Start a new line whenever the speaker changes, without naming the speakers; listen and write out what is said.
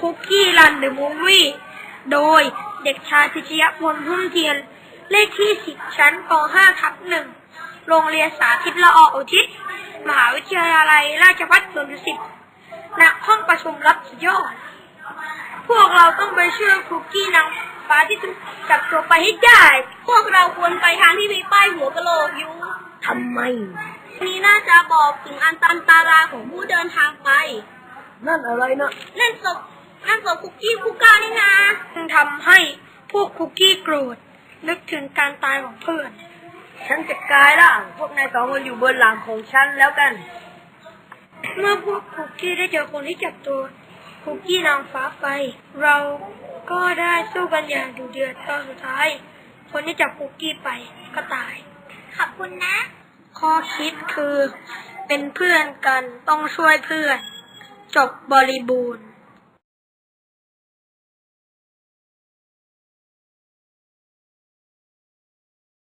คุกกี้รันเดอะมูฟวี่โดยเด็กชายพิชยพลพุ่มเทียนเลขที่10ชั้นป .5/1 โรงเรียนสาธิตละออุทิศมหาวิทยาลัยราชภัฏสวนดุสิตณห้องประชุมรับสุดยอดพวกเราต้องไปช่วยคุกกี้นางฟ้าที่ถูกจับตัวไปให้ได้พวกเราควรไปทางที่มีป้ายหัวกะโหลกอยู่
ทำไม
นี้น่าจะบอกถึงอันตรายของผู้เดินทางไป
นั่นอะไรนะ
นั่นศพคุกกี้คูก้านี่นะทำให้พวกคุกกี้โกรธนึกถึงการตายของเพื่อน
ฉันจะกลายร่างพวกนาย2 คนอยู่บนหลังของฉันแล้วกัน
เมื่อพวกคุกกี้ได้เจอคนที่จับตัวคุกกี้นางฟ้าไปเราก็ได้สู้กันอย่างดุเดือดตอนสุดท้ายคนที่จับคุกกี้ไปก็ตายขอบคุณนะข้อคิดคือเป็นเพื่อนกันต้องช่วยเพื่อนจบบริบูรณ์